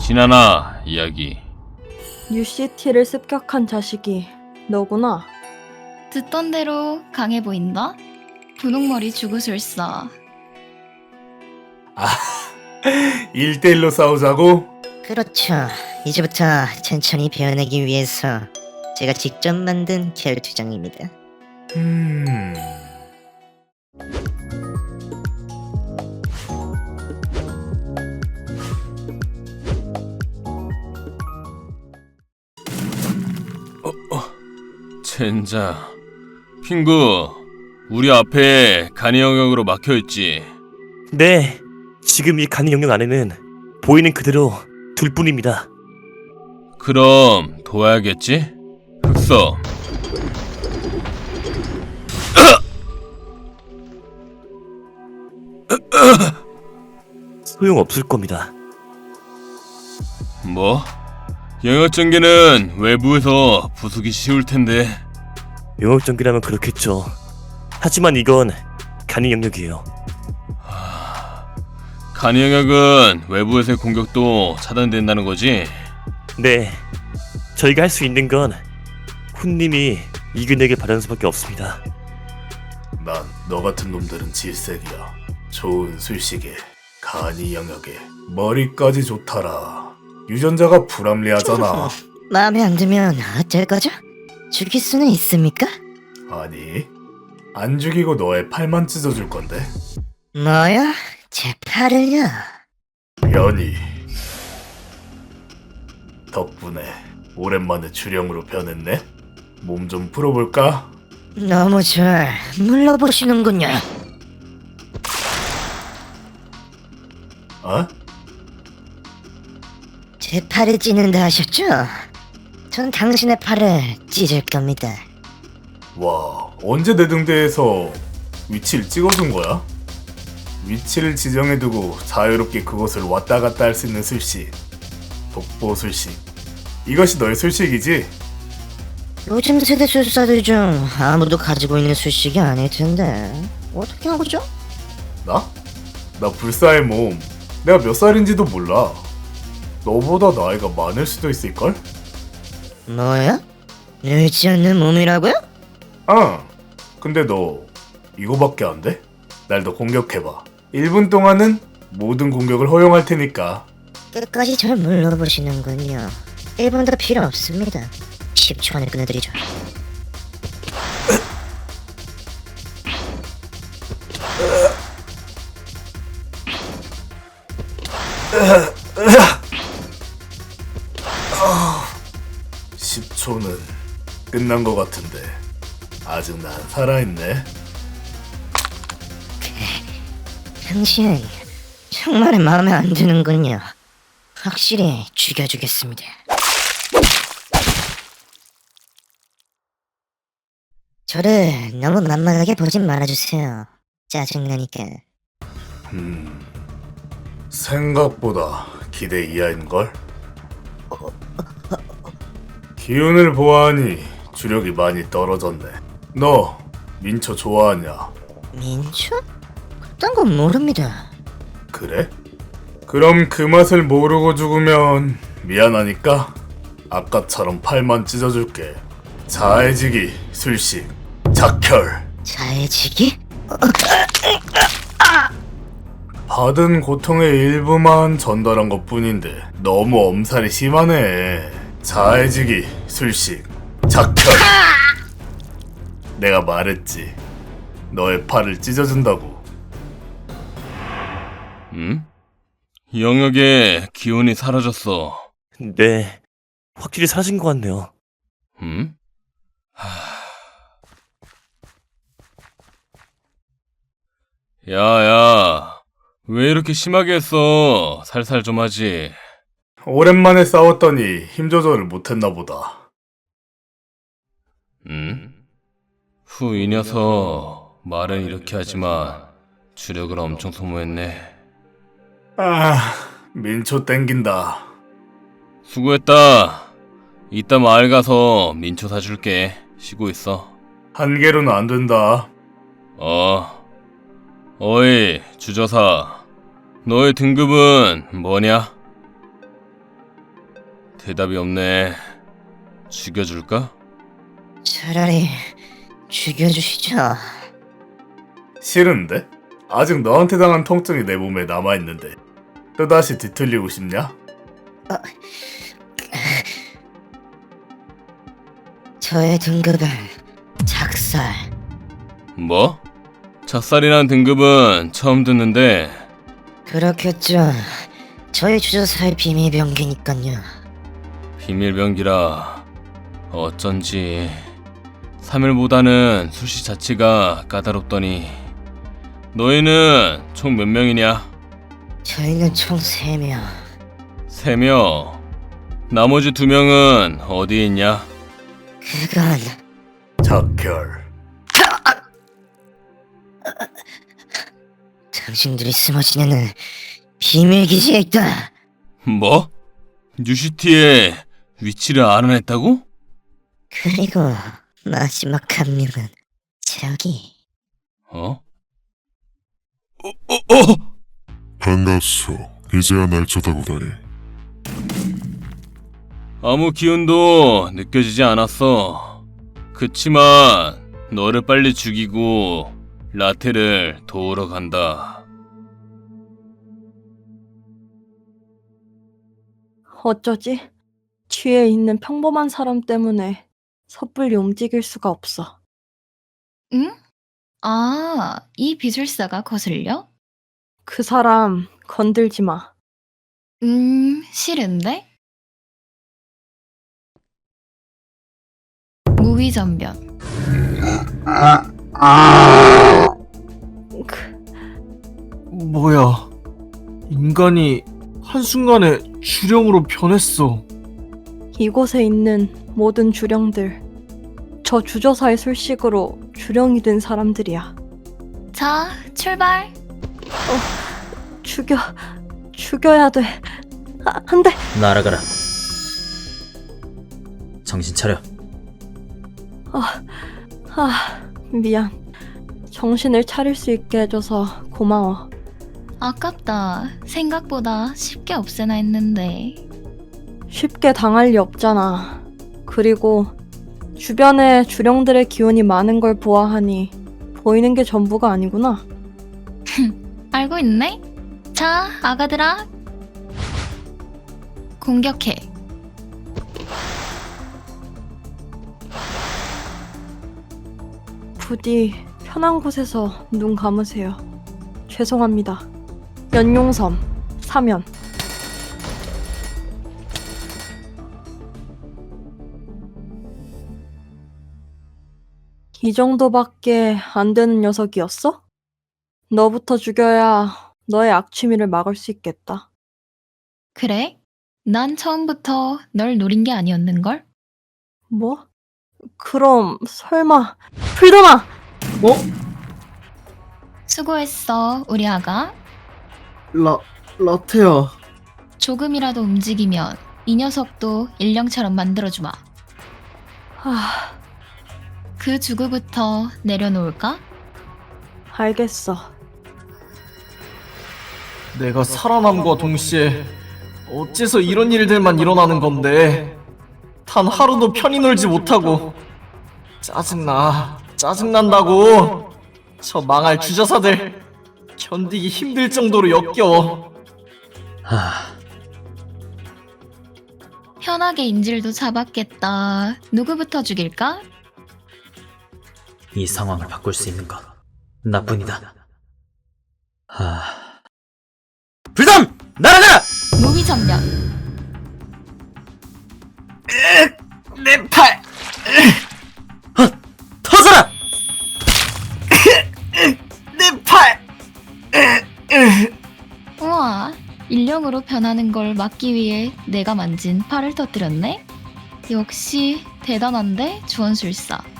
지나나 이야기. UCT를 습격한 자식이 너구나. 듣던 대로 강해 보인다? 분홍머리 주구술사. 1대1로 싸우자고? 그렇죠. 이제부터 천천히 배워내기 위해서 제가 직접 만든 결투장입니다. 젠장. 핑구, 우리 앞에 간이 영역으로 막혀있지. 네, 지금 이 간이 영역 안에는 보이는 그대로 둘뿐입니다. 그럼 도와야겠지? 흑서. 소용없을 겁니다. 뭐? 영역 전개는 외부에서 부수기 쉬울 텐데. 영역 전기라면 그렇겠죠. 하지만 이건 간이 영역이에요. 간이 영역은 외부에서의 공격도 차단된다는 거지? 네, 저희가 할 수 있는 건 훈님이 이겨내길 바라는 수밖에 없습니다. 난 너 같은 놈들은 질색이야. 좋은 술식에 간이 영역에 머리까지 좋더라. 유전자가 불합리하잖아. 마음에 안 들면 어쩔 거죠? 죽일 수는 있습니까? 아니, 안 죽이고 너의 팔만 찢어줄 건데. 뭐야? 제 팔을요? 변이. 덕분에 오랜만에 주령으로 변했네. 몸 좀 풀어볼까? 너무 절 물러보시는군요. 어? 제 팔을 찢는다 하셨죠? 전 당신의 팔을 찢을 겁니다. 와, 언제 내 등대에서 위치를 찍어둔 거야? 위치를 지정해두고 자유롭게 그곳을 왔다 갔다 할 수 있는 술식. 독보 술식. 이것이 너의 술식이지? 요즘 세대 술사들 중 아무도 가지고 있는 술식이 아닐 텐데 어떻게 한 거죠? 나? 나 불사의 몸. 내가 몇 살인지도 몰라. 너보다 나이가 많을 수도 있을걸? 뭐야? 늙지 않는 몸이라고요? 아, 근데 너 이거밖에 안 돼? 날 더 공격해봐. 1분 동안은 모든 공격을 허용할 테니까. 끝까지 절 물러보시는군요. 1분도 필요 없습니다. 10초 안에 끊어드리죠. 아, 10초는 끝난 것 같은데 아직 난 살아있네. 당신 정말 마음에 안 드는군요. 확실히 죽여주겠습니다. 저를 너무 만만하게 보진 말아주세요. 짜증나니까. 생각보다 기대 이하인걸? 기운을 보아하니 주력이 많이 떨어졌네. 너 민초 좋아하냐? 민초? 그딴 건 모릅니다. 그래? 그럼 그 맛을 모르고 죽으면 미안하니까 아까처럼 팔만 찢어줄게. 자해지기, 술식, 작혈. 자해지기? 받은 고통의 일부만 전달한 것뿐인데 너무 엄살이 심하네. 자해지기, 술식, 작혈. 내가 말했지. 너의 팔을 찢어준다고. 응? 영역에 기운이 사라졌어. 네, 확실히 사라진 것 같네요. 응? 야야, 왜 이렇게 심하게 했어? 살살 좀 하지. 오랜만에 싸웠더니 힘 조절을 못했나 보다. 응? 후, 이 녀석 말은 이렇게 하지만 주력을 엄청 소모했네. 아, 민초 땡긴다. 수고했다. 이따 마을 가서 민초 사줄게. 쉬고 있어. 한 개로는 안 된다. 어이, 주저사. 너의 등급은 뭐냐? 대답이 없네. 죽여줄까? 차라리 죽여주시죠. 싫은데? 아직 너한테 당한 통증이 내 몸에 남아있는데 또다시 뒤틀리고 싶냐? 저의 등급은 작살. 뭐? 작살이란 등급은 처음 듣는데. 그렇겠죠. 저희 주저사의 비밀병기니깐요. 비밀병기라. 어쩐지 3일보다는 술시 자체가 까다롭더니. 너희는 총 몇 명이냐? 저희는 총 3명. 3명. 나머지 2명은 어디에 있냐? 그건 작결. 당신들이 숨어 지내는 비밀기지에 있다. 뭐? 뉴시티의 위치를 알아냈다고? 그리고 마지막 한 명은 저기. 어? 반갑소. 이제야 날 쳐다보다니. 아무 기운도 느껴지지 않았어. 그치만 너를 빨리 죽이고 라테를 도우러 간다. 어쩌지? 뒤에 있는 평범한 사람 때문에 섣불리 움직일 수가 없어. 응? 아, 이 비술사가 거슬려? 그 사람 건들지 마. 싫은데? 무위전변. 뭐야? 인간이 한순간에 주령으로 변했어. 이곳에 있는 모든 주령들, 저 주저사의 술식으로 주령이 된 사람들이야. 자, 출발. 죽여야 돼. 안 돼. 날아가라. 정신 차려. 미안. 정신을 차릴 수 있게 해줘서 고마워. 아깝다. 생각보다 쉽게 없애나 했는데. 쉽게 당할 리 없잖아. 그리고 주변에 주령들의 기운이 많은 걸 보아하니 보이는 게 전부가 아니구나. 알고 있네? 자, 아가들아. 공격해. 부디 편한 곳에서 눈 감으세요. 죄송합니다. 연용섬, 사면. 이 정도밖에 안 되는 녀석이었어? 너부터 죽여야 너의 악취미를 막을 수 있겠다. 그래? 난 처음부터 널 노린 게 아니었는걸? 뭐? 그럼 설마 풀더나! 수고했어, 우리 아가. 라테야. 조금이라도 움직이면 이 녀석도 일령처럼 만들어주마. 아, 그 주구부터 내려놓을까? 알겠어. 내가 살아남과 동시에 어째서 이런 일들만 일어나는 건데. 단 하루도 편히 놀지 못하고. 짜증난다고. 저 망할 주저사들 견디기 힘들 정도로 역겨워. 편하게 인질도 잡았겠다. 누구부터 죽일까? 이 상황을 바꿀 수 있는 건 나뿐이다. 불담! 날아가라! 무위전면. 내 팔! 터져라! 내 팔! 우와, 일령으로 변하는 걸 막기 위해 내가 만진 팔을 터뜨렸네? 역시 대단한데, 주원술사.